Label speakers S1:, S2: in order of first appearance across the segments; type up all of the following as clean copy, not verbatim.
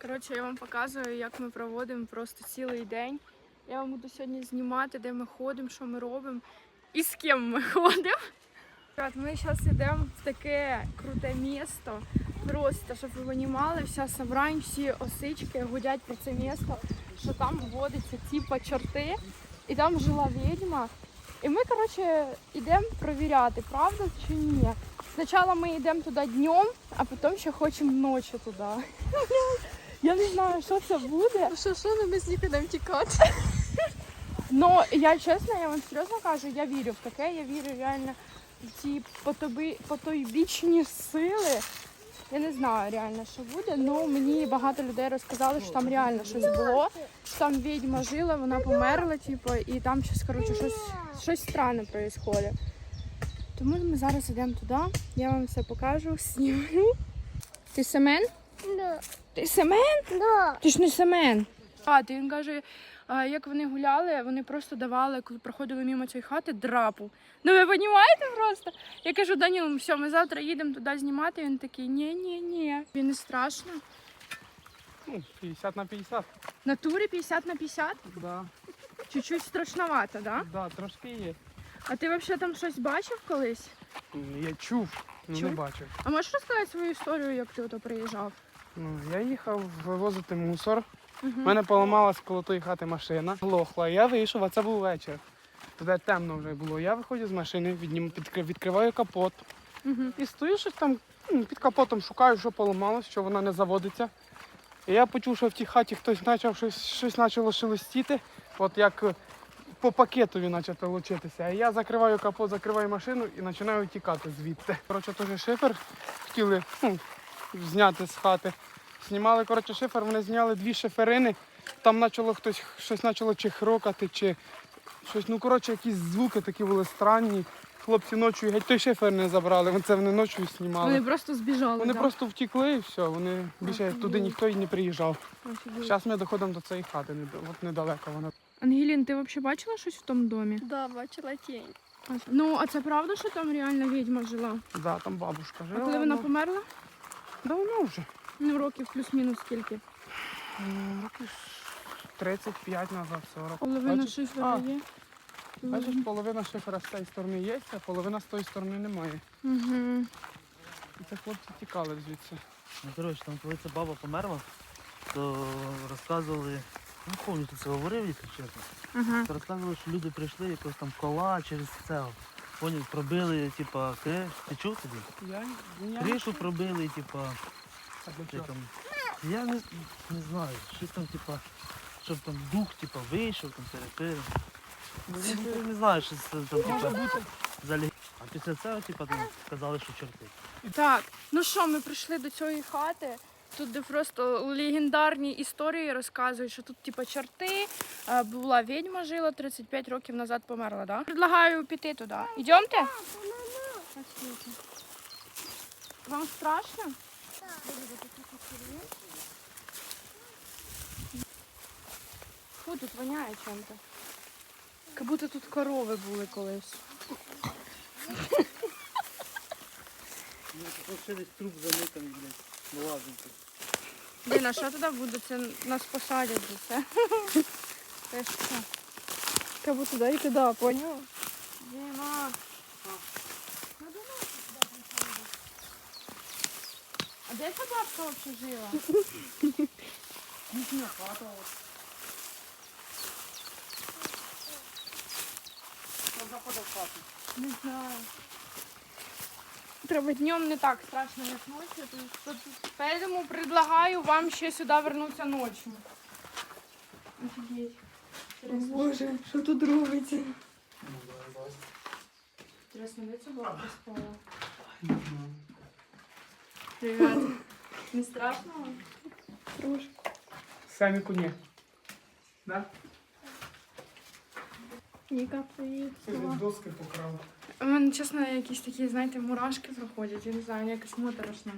S1: Коротше, я вам показую, як ми проводимо просто цілий день. Я вам буду сьогодні знімати, де ми ходимо, що ми робимо і з ким ми ходимо. Ми зараз йдемо в таке круте місто. Просто, щоб ви розуміли, вся Собрань, всі осички гудять про це місто, що там водяться типа чорти, і там жила відьма. І ми, коротше, йдемо перевіряти, правда чи ні. Спочатку ми йдемо туди днем, а потім ще хочемо ночі туди. Я не знаю, що це буде.
S2: Що, ми з них йдемо тікати.
S1: Ну, я чесно, я вам серйозно кажу, я вірю в таке, я вірю реально в ці потойбічні сили. Я не знаю реально, що буде, але мені багато людей розказали, що там реально щось було, що там відьма жила, вона померла, типу, і там щось, коротше, щось странне відбувається. Тому ми зараз йдемо туди, я вам все покажу, зніму. Ти Семен?
S2: Да.
S1: Ти Семен?
S2: Да.
S1: Ти ж не Семен. Він каже, як вони гуляли, вони просто давали, коли проходили мимо цієї хати, драпу. Ну ви розумієте просто? Я кажу, Даніл, все, ми завтра їдемо туди знімати. Він такий, ні. Він не страшно.
S3: Ну, 50 на 50.
S1: В натурі 50 на 50?
S3: Да.
S1: Чуть-чуть страшновато, да?
S3: Да, трошки є.
S1: А ти взагалі там щось бачив колись?
S3: Я чув, але не
S1: Чув?
S3: бачив.
S1: А можеш розказати свою історію, як ти ото приїжджав?
S3: Ну, я їхав вивозити мусор.
S1: Угу.
S3: У мене поламалась коло тої хати машина, глохла. Я вийшов, а це був вечір. Туди темно вже було. Я виходжу з машини, відкриваю капот.
S1: Угу.
S3: І стою щось там під капотом, шукаю, що поламалось, що вона не заводиться. І я почув, що в тій хаті хтось почав щось почало шелестіти, от як по пакетові почало лучитися. А я закриваю капот, закриваю машину і починаю тікати звідти. Коротше, теж шифер хотіли зняти з хати. Знімали, коротше, шифер, вони зняли 2 шиферини. Там почало щось почало чи хрокати, чи щось. Ну, коротше, якісь звуки такі були странні. Хлопці ночі геть той шифер не забрали, це вони ночі знімали.
S1: Вони просто збіжали,
S3: Вони
S1: да?
S3: просто втекли і все, вони більше туди ніхто і не приїжджав. Зараз ми доходимо до цієї хати, от недалеко вона.
S1: Ангелін, ти взагалі бачила щось в тому домі?
S2: Да, бачила тінь.
S1: Ну, а це правда, що там реально відьма жила?
S3: Да, там бабушка жила.
S1: А коли вона померла?
S3: Давно вже.
S1: Ну, років плюс-мінус скільки?
S3: Років 35 назад, 40.
S1: Половина
S3: Бачиш?
S1: шифера є.
S3: Бачиш, половина шифера з цієї сторони є, а половина з тої сторони немає.
S1: Угу.
S3: І це хлопці тікали звідси.
S4: Ну, коротше, там коли ця баба померла, то розказували, не пам'ятаю, хто це говорив, якщо чесно.
S1: Ага.
S4: То розказували, що люди прийшли якось там кола через це. Поняв, пробили, типа, ти чув тоді?
S3: Я
S4: Кришу пробили, типа,
S3: А для
S4: чи
S3: чого?
S4: там, я не знаю, щось там, типа, щоб там дух, типа, вийшов, там перепили. Ну, не знаю, що це там, типа, взагалі. А після цього, типа, там сказали, що чорти.
S1: Так, ну що, ми прийшли до цієї хати. Тут де просто легендарні історії розказують, що тут типу чорти, була відьма жила, 35 років назад померла, да? Предлагаю піти туди. Йдемте? Вам страшно? Фу, тут воняє чим-то. Як будто тут корови були колись.
S4: Ще десь труп заниканий, блядь, лазить.
S1: Блін, а що туди буде? Це нас посадять за це. Це ж що?
S2: Как будто туди і туди, поняла?
S1: Діма. А де ця бабка взагалі жила?
S3: Їхня хата. Там заходив в хату.
S1: Не знаю. Треба днем не так страшно, як ночі. Поэтому предлагаю вам ще сюди вернутися ночью. Офігеть.
S2: Боже, що тут робиться?
S1: Интересно, де ця бабка спала? Привет. Не страшно вам?
S2: Трошки.
S3: Семіку ні. Да?
S1: Ніка, привіт.
S3: Ти доски покрав.
S1: У мене, чесно, якісь такі, знаєте, мурашки проходять. Я не знаю, мені якось моторошно.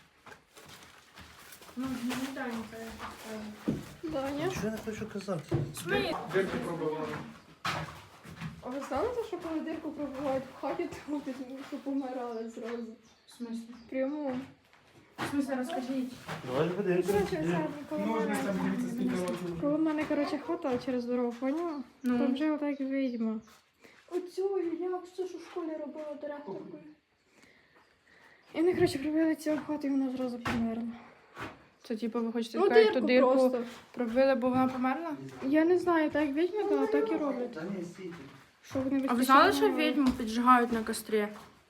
S1: Ну, не Даніка, я так скажу.
S2: Даня.
S4: Нічого я не хочу казати.
S1: Смій.
S3: Дирки пробивали.
S2: А ви знаєте, що коли дирку пробувають в хаті, то що помирали зразу?
S1: В смысле?
S2: Прямо.
S1: В смысле, розкажіть.
S4: Давай подивимося.
S2: Коротше,
S3: Ножниця, дивіться, скільки років.
S2: коло мене, коротше, хата через дорогу, поняла?
S1: Ну.
S2: Там вже отак відьма. Оцю, як це ж у школі робила директоркою. І вони, коротше, пробили цю хату, і вона зразу померла.
S1: Це типу ви хочете
S2: Ну,
S1: сказати, ту
S2: дирку
S1: дирку
S2: просто.
S1: пробили, бо вона померла?
S2: Я не знаю, так як відьми, да, так і роблять.
S4: Та ні, стійте.
S2: Що вони
S1: А ви знали, що відьму піджигають на кострі?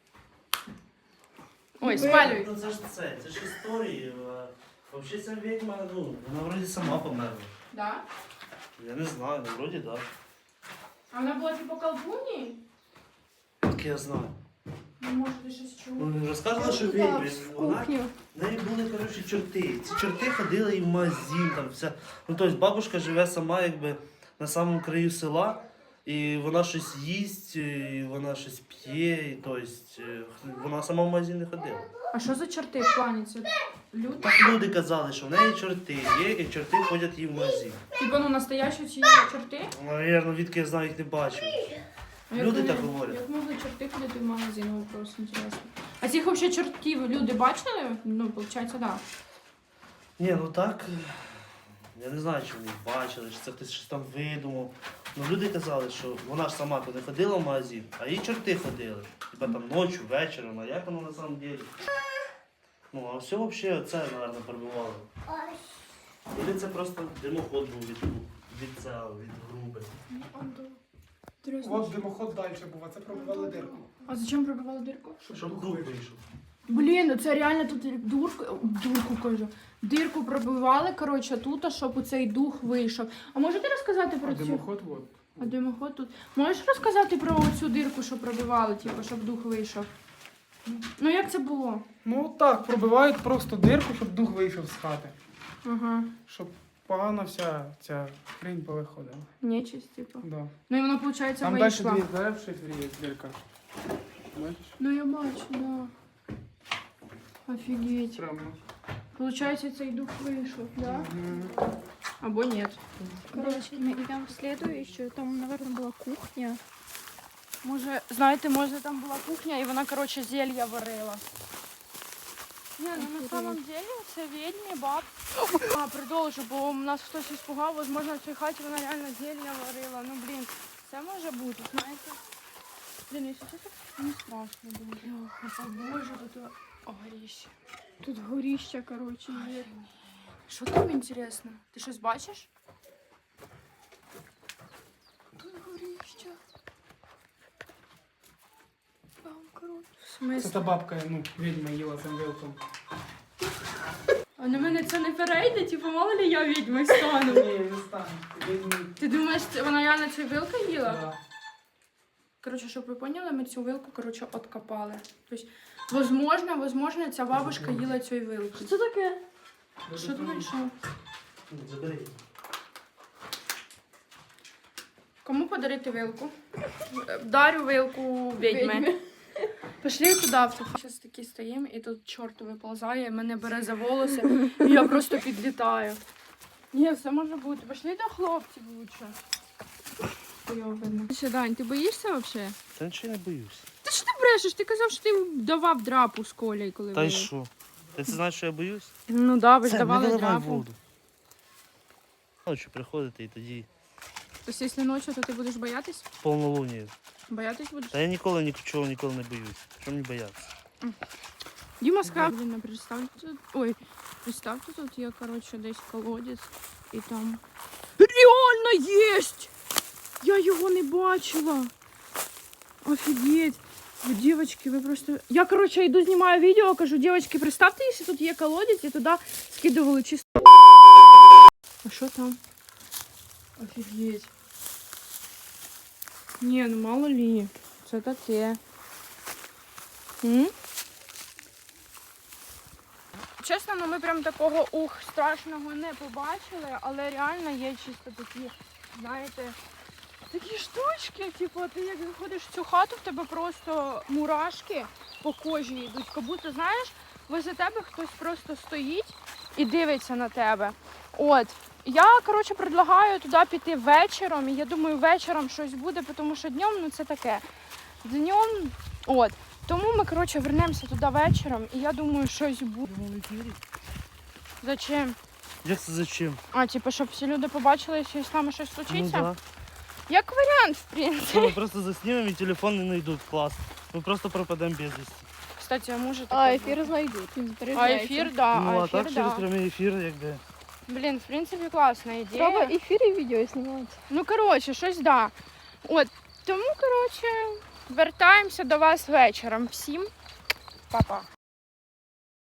S1: Ой,
S2: Ви-
S1: спалюють.
S4: Ну це ж історії. Взагалі ця відьма, ну, вона вроді сама померла.
S1: Да?
S4: Я не знаю, ну вроді так.
S1: А вона була типу колдуній?
S4: Так я знаю.
S1: Ну, може, ти щось чув.
S4: Ну, розказувала, що
S2: Так,
S4: відьми.
S2: в
S4: Вона
S2: кухню.
S4: в неї були, коротше, чорти. Ці чорти ходили і в магазин, там вся. Ну, тобто бабушка живе сама, якби на самому краю села, і вона щось їсть, і вона щось п'є, і тобто вона сама в магазин не ходила.
S1: А що за чорти в плані? Це люди?
S4: Так люди казали, що в неї чорти є, і чорти ходять їй в магазин.
S1: Типа, ну, настоящі ці чорти?
S4: Навірно, відки я знаю, їх не бачив.
S1: А як
S4: Люди
S1: вони-
S4: так говорять.
S1: Як могли чорти ходити в магазин? Вопрос інтересно. А цих взагалі чортів люди бачили? Ну, виходить, так. Да.
S4: Ні, ну так. Я не знаю, чи вони бачили, чи це хтось щось там видумав. Ну люди казали, що вона ж сама то не ходила в магазин, а її чорти ходили. Типа там ночі, вечором, а як воно на самом деле? Ну, а все взагалі це, мабуть, пробивало. Или це просто димоход був від цього, від груби.
S3: От димоход далі був, а це пробивали дирку.
S1: А зачем пробивали дирку?
S4: Щоб дух вийшов.
S1: Блін, ну це реально тут дурку кажу. Дирку пробивали, коротше, тут, щоб у цей дух вийшов. А можете розказати про
S3: А
S1: цю?
S3: димоход от.
S1: А димоход тут. Можеш розказати про цю дирку, що пробивали, типу, щоб дух вийшов? Ну як це було?
S3: Ну так, пробивають просто дирку, щоб дух вийшов з хати.
S1: Ага.
S3: Щоб погана вся ця хрінь повиходила.
S1: Нечисть, типу.
S3: Да.
S1: Ну і вона, виходить,
S3: Там далі
S1: вийшла.
S3: дві дерев в шифрі є дирка. Бачиш?
S1: Ну я бачу, да. Офігеть.
S3: Прямо.
S1: Получається, цей дух вийшов, да?
S3: Мгм.
S1: Або ні.
S2: Коротше, ми йдемо в слідуючу, там, мабуть, була кухня.
S1: Може, знаєте, може там була кухня і вона, коротше, зелья варила. Ні, ну на самом деле це відьмі, баб. А, продовжу, бо у нас хтось іспугав, можливо, в цій хаті вона реально зелья варила. Ну, блін, це може бути, знаєте. Блін, якщо чесно, не страшно дуже. О, Боже, тут горіще.
S2: Тут горіща, коротше, є.
S1: Що там інтересно? Ти щось бачиш?
S2: Тут горіща. Там, коротше.
S1: В
S3: Це
S1: смислі?
S3: та бабка, ну, відьма їла цим вилком.
S1: А на мене це не перейде, типу, мало ли я відьмою стану.
S3: Ні, не стане. Відьми.
S1: Ти думаєш, вона реально цю вилку їла?
S3: Да.
S1: Коротше, щоб ви поняли, ми цю вилку, коротше, откопали. Тобто, возможно, ця бабушка їла цю вилку.
S2: Що це таке?
S1: Що ти знайшов?
S4: Забери.
S1: Кому подарити вилку? Дарю вилку відьми. Пішли туди, зараз такі стоїмо, і тут чорт виползає, мене бере за волоси, і я просто підлітаю. Ні, все може бути. Пішли до хлопців лучше. Що, Дань, ти боїшся взагалі?
S4: Та нічого не боюсь.
S1: Та що ти брешеш? Ти казав, що ти давав драпу з Колею, коли
S4: Та й
S1: ви-
S4: що? Ти знаєш, що я боюсь?
S1: Ну да, ви ж
S4: Це,
S1: давали
S4: не наливай
S1: драпу.
S4: воду. Ночі приходити і тоді
S1: Тобто, якщо ночі, то ти будеш боятись?
S4: повнолунію.
S1: Боятись будеш?
S4: Та я ніколи нічого ніколи не боюсь. Що мені боятися?
S1: Діма сказав, блін, представте тут. Ой, представте, тут є, коротше, десь колодязь і там. Реально єсть! Я його не бачила. Офігеть. Ви, дівчатки, ви просто. Я, коротше, йду, знімаю відео, кажу, дівчатки, представте, якщо тут є колодязь, і туди скидували чисто. А що там? Офігеть. Ні, ну мало лі. Це таке. М? Чесно, ну ми прям такого страшного не побачили, але реально є чисто такі, знаєте, такі штучки, типу, ти як заходиш в цю хату, в тебе просто мурашки по кожі йдуть, як будто, знаєш, возле тебе хтось просто стоїть і дивиться на тебе. От. Я, коротше, предлагаю туди піти вечором, і я думаю, вечором щось буде, тому що днем, ну це таке. Днем, от. Тому ми, коротше, вернемося туди вечором, і я думаю, щось буде.
S4: Прямо в ефірі?
S1: Зачем?
S4: Як це зачем?
S1: А, типу, щоб всі люди побачили, якщо з нами щось
S4: Ну
S1: случиться?
S4: да.
S1: Як варіант, в принципі.
S4: Що ми просто заснімемо і телефон не знайдуть, клас. Ми просто пропадемо без вісті.
S1: Кстати, а може таке
S2: А
S1: бути?
S2: ефір знайдуть, він
S1: А
S2: збережеться.
S1: ефір, да,
S4: Ну, а
S1: ефір,
S4: так через
S1: да.
S4: прямий ефір, якби.
S1: Блін, в принципі, класна ідея.
S2: Треба ефір і відео знімати.
S1: Ну, коротше, щось да. От, тому, коротше, вертаємося до вас вечором. Всім па-па.